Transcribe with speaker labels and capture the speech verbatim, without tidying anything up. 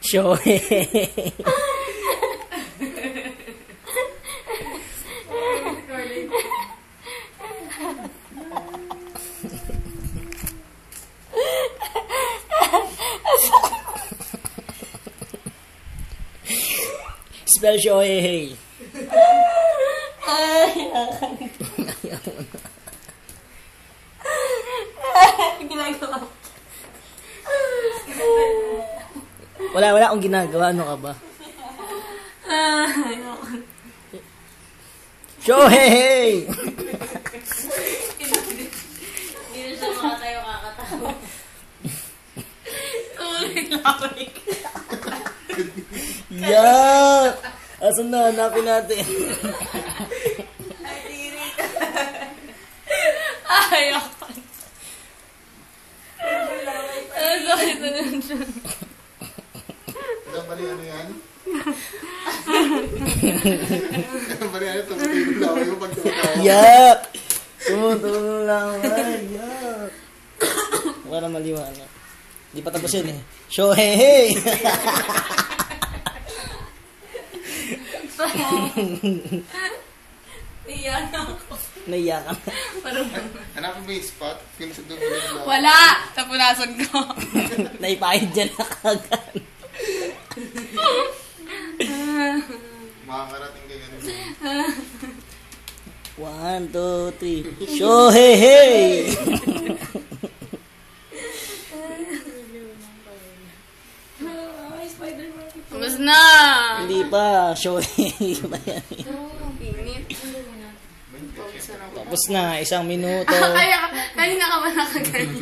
Speaker 1: Shohei. Spell Shohei.
Speaker 2: Ay, ginagawa mo.
Speaker 1: Wala, wala akong ginagawa. Ano ka ba? Shohei!
Speaker 2: Hindi na siya makatayo kakatawa. Tuloy lawik.
Speaker 1: Yak! Asan na? Hanapin natin.
Speaker 2: Ay, tiri ka. Ay, ako. Ano sakit na nun siya?
Speaker 3: Ilang bali ano yan? Ilang bali ano? Tumutulong lang yung pagtutawa.
Speaker 1: Yak! Tumutulong lang. Ay, yak! Para maliwanag. Di pa tapos yun eh. Shohei!
Speaker 2: Iyan ako.
Speaker 1: Naiyak ka.
Speaker 2: Parang
Speaker 3: Hanapin mo yung spot? Yung sa dulo lang.
Speaker 2: wala! Tapunasan ko.
Speaker 1: Naipahid dyan na kagad.
Speaker 3: Makakarating ka ganun.
Speaker 1: One, two, three. Shohei!
Speaker 2: Tapos na!
Speaker 1: Hindi pa. Shohei ba yan?
Speaker 2: Init.
Speaker 1: Tapos na. Isang minuto.
Speaker 2: Kaya, kanina ka ba nakaganyan?